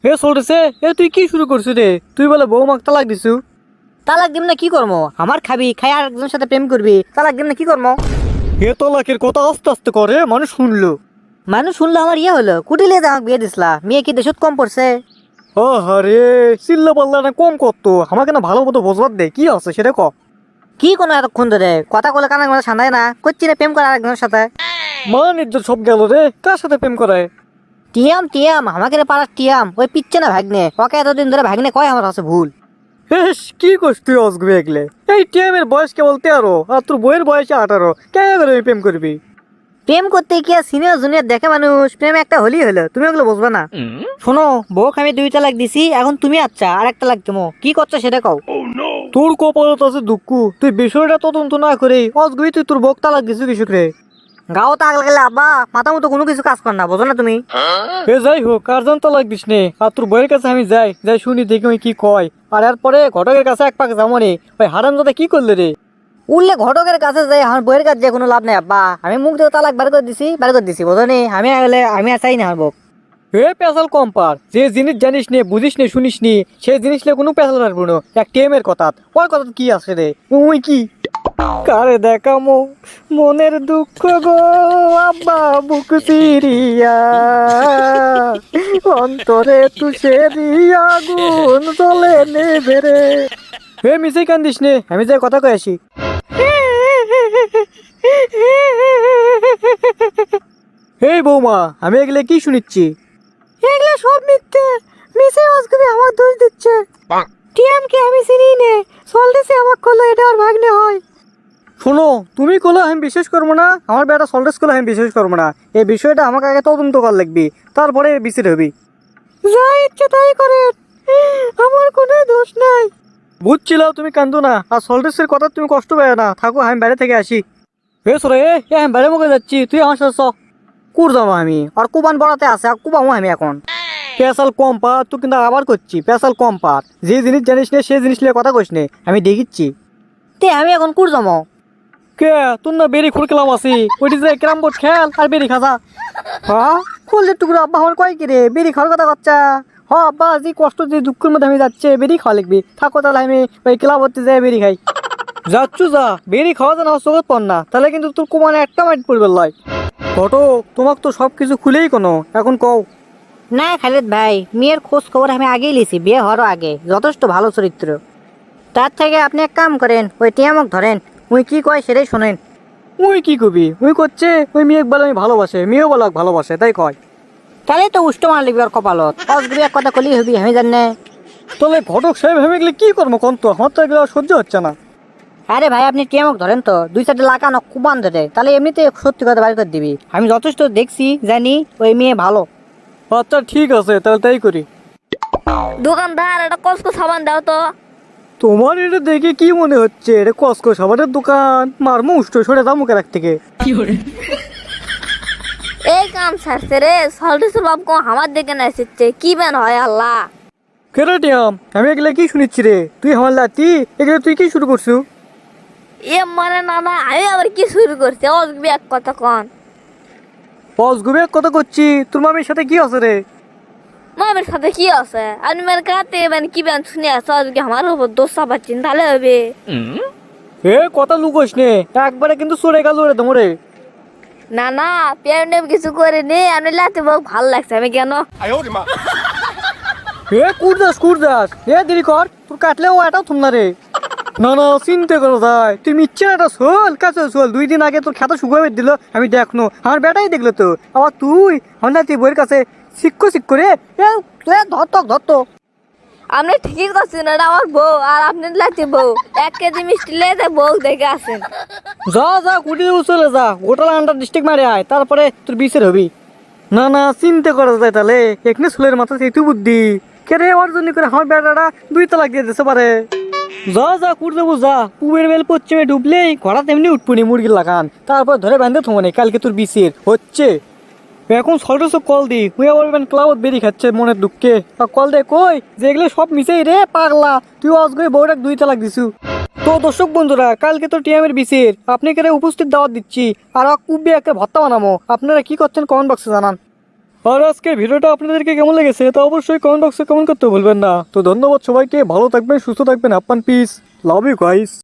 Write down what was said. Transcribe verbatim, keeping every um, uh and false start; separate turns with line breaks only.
হে চলতেছে এ তুই কি শুরু করছিস রে? তুই বলে বৌমাক তালাক দিছু।
তালাক দিম না কি করবো? আমার খাবি খাই আর একজনের সাথে প্রেম করবি, তালাক দিম না কি করবো?
হে তলাকের কথা আস্তে আস্তে করে মানুষ শুনলো।
মানুষ শুনলো আমার ইয়ে হলো, কুটিলে আমাকে বিয়ে দিসলা, মেয়ে কি দেশত কম পড়ছে?
ও হরে, চিল্লা পাল্লা না কম করতো, আমাকে না ভালো মতো বোঝবার দে কি আছে সেটা ক।
কি কোনো এতক্ষণ ধরে কথা বলে কানে মাথা সান্দায় না, করছি না প্রেম করে আরেকজনের সাথে।
মান ইজ্জত সব গেল রে, কার সাথে প্রেম করায়?
টিয়াম টিয়াম আমাকে রে পাড়ার টিয়াম, ওই পিচ্ছে না ভাগ্নে, ওকে এতদিন ধরে ভাগ্নে কয় আমার আছে ভুল।
হেস কি করছ তুই অসগবি এগলে? এই টিএমের বয়স কেবল তেরো আর তোর বইয়ের বয়স আঠারো, কে করে আমি প্রেম করবি?
প্রেম করতে কি আর সিনিয়র জুনিয়র দেখে মানুষ? প্রেম একটা হলি হলো, তুমি ওগুলো বুঝবে না। শোনো বউ আমি দুই তালাক দিছি, এখন তুমি আচ্ছা আর একটা লাগ দেবো, কি করছো সেটা কও।
তোর কপালত আছে দুঃখ, তুই বিষয়টা তদন্ত না করে অসগবি তুই তোর বক তালাক দিছু কৃষক রে।
গাও তাগল গেলে আব্বা মাথা মতো কোনো কিছু কাজ কর না, বোঝো না তুমি?
এ যাই হোক, কার জান তালাক দিস নে, আর তোর বইয়ের কাছে আমি যাই যাই শুনি দেখি ওই কি কয়। আর এরপরে ঘটকের কাছে এক পাক যাবো নে, ওই হারামজাদা কি করলে রে?
উঠলে ঘটকের কাছে যাই, আমার বইয়ের কাছে কোনো লাভ নেই আব্বা, আমি মুখ দিয়ে তালাক বার করে দিছি, বার করে দিছি, বোঝো নি? আমি আগলে আমি আর চাই না আমার বউ।
হে পেশাল কম পার, যে জিনিস জানিস নে বুঝিস নে শুনিস নি সেই জিনিস নিয়ে কোনো পেশাল রাখবো না। এক টেমের কথা, ওই কথা কি আছে রে? ওই কি কারে দেখামো মনের দুঃখ গো আব্বা বুক চিরিয়া, অন্তরে তুষেরি আগুন জ্বলে নেবে রে। হে মিশে কান্দিস নে, আমি যাই কথা কয়ে আসি। হে বৌমা, আমি এগুলো কি শুনিচ্ছি?
এগুলো সব মিথ্যে, মিসে অসগবি আমার দোষ দিচ্ছে। টিএম কে আমি চিনি নে, সলদেসে আমাক কলো এটা আর ভাগ্নে হয়।
শোনো, তুমি কলো আমি বিশ্বাস করবো না, আমার বেটা সল্টেস করলে আমি বিশ্বাস করবো না। এই বিষয়টা আমাকে আগে তদন্ত করা লাগবে, তারপরে বিচার হবি।
যা ইচ্ছে তাই করে, আমার কোনো দোষ নাই।
বুঝছিল তুমি কান্দো না, আর সল্টেসের কথা তুমি কষ্ট পাবে না, থাকো আমি বাইরে থেকে আসি। বেশ রে, এ আমি বাইরে মুখে যাচ্ছি, তুই আমার সাথে চ। কুর যাবো আমি,
আর কুবান বড়াতে আছে, আর কুবামো আমি এখন।
পেশাল কম পার, তুই কিন্তু আবার করছি পেশাল কম পার। যে জিনিস জানিস নে সেই জিনিস নিয়ে কথা কইস নে, আমি দেখিচ্ছি।
তে আমি এখন কুর যাবো?
কে তোর না বেরি খুড়কেলাম আছি, ওইটি যে ক্যারাম বোর্ড খেল আর বেরি খাজা।
হ্যাঁ ফুলের টুকরো আব্বা আমার কয় কি রে, বেরি খাওয়ার কথা বাচ্চা। হ আব্বা, যে কষ্ট যে দুঃখের মধ্যে আমি যাচ্ছে, বেরি খাওয়া লিখবি, থাকো তাহলে আমি ওই ক্লাব হতে যাই বেরি খাই।
যাচ্ছু যা, বেরি খাওয়া যেন চোখত পড় না, তাহলে কিন্তু তোর কুমানে একটা মাইট পড়বে লয়। ঘটক, তোমাক তো সব কিছু খুলেই কোনো, এখন কও।
না খালিদ ভাই, মেয়ের খোঁজ খবর আমি আগেই লিছি, বিয়ে হওয়ার আগে, যথেষ্ট ভালো চরিত্র। তার থেকে আপনি এক কাম করেন, ওই টিয়ামক ধরেন, উই কি কয় সেটাই শোনেন।
ওই কি কবি, ওই করছে ওই মেয়ে বলে আমি ভালোবাসে, মেয়েও বলাক ভালোবাসে, তাই কয়।
তাহলে তো উষ্ট মার লিখবি ওর কপালত, অসগুবি এক কথা কলি হবি, আমি জানি না।
তাহলে ঘটক সাহেব ভেবে গেলে কি করবো কন্ত, আমার তো এগুলো সহ্য হচ্ছে না।
আরে ভাই আপনি টিয়ামক ধরেন তো, দুই সাইডে লাগানো কুবান ধরে, তাহলে এমনিতে সত্যি কথা বাড়ি করে দিবি। আমি যথেষ্ট দেখছি, জানি ওই মেয়ে ভালো।
আচ্ছা ঠিক আছে, তাহলে তাই করি।
দোকানদার একটা কসকো সাবান দাও তো।
তোমার এটা দেখে কি মনে হচ্ছে এটা কসকো সাবানের দোকান? মারমু উষ্ট সরে দাম মুখে রাখ থেকে।
এই কাম ছাড়ছে রে, সল্টেসের বাপ কো আমার দিকে না এসেছে, কি বেন হয় আল্লাহ।
কেরাটিয়াম, আমি এগুলা কি শুনিচ্ছি রে? তুই আমার লাতি এগুলো তুই কি শুরু করছু?
এ মানে না না, আমি আবার কি শুরু করছি? অসবি এক কথা কন।
বস ঘুমে কথা করছি, তোর মামির সাথে কি আছে রে?
মামের সাথে কি আছে? আপনি মানে কাতে মানে কি বেন শুনে আছে, আজকে আমার উপর দোষ চাপাচ্ছেন, তাহলে হবে।
এ কথা লুকোস নে, একবারে কিন্তু সরে গেল রে তোমরে।
না না, পেয়ার কিছু করে নে, আমি লাতে বহু ভালো লাগছে, আমি কেন
এ কুরদাস কুরদাস, এ দেরি কর, তোর কাটলেও এটাও থুম না রে। না না চিন্তা করো যায়, তুই মিচ্ছে একটা শোল কাছে শোল, দুই দিন আগে তোর খাতা শুকিয়ে দিল, আমি দেখনো, আমার বেটাই দেখলো তো, আবার তুই আমার না তুই বইয়ের কাছে শিক্ষো শিক্ষো রে। এ ধরত ধরত।
আপনি ঠিকই করছেন, এটা আমার বউ, আর আপনি লাতে বউ, এক কেজি মিষ্টি লেতে বউ দেখে আসেন।
যা যা কুটি চলে যা, গোটাল আন্ডার ডিস্ট্রিক্ট মারে আয়, তারপরে তোর বিচার হবি। না না চিন্তা করা যায়, তাহলে এখানে চুলের মাথা সেই তুই বুদ্ধি কেরে ওর জন্য করে আমার বেটাটা দুই তালাক দিয়ে দিতে পারে। যা যা কুড় দেবো যা, পুবের বেল পশ্চিমে ডুবলেই ঘোড়া তেমনি উঠপুনি মুরগির লাগান, তারপর ধরে বাঁধে থমনে কালকে তোর বিচার হচ্ছে। এখন সল্টেসও কল দি, হুইয়া বলবেন ক্লাউড বেরি খাচ্ছে মনের দুঃখে, আর কল দে কই যে এগুলো সব মিশেই রে পাগলা, তুই অজগই বউটাক দুই তালাক দিছু। তো দর্শক বন্ধুরা, কালকে তো টিএমের বিসির আপনি কেন উপস্থিত দাওয়াত দিচ্ছি, আর কুব্বে একটা ভত্তা বানাবো, আপনারা কি করছেন কমেন্ট বক্সে জানান। আর আজকের ভিডিওটা আপনাদেরকে কেমন লেগেছে তা অবশ্যই কমেন্ট বক্সে কমেন্ট করতে ভুলবেন না। তো ধন্যবাদ সবাইকে, ভালো থাকবেন, সুস্থ থাকবেন, আপ্পান পিস, লাভ ইউ গাইস।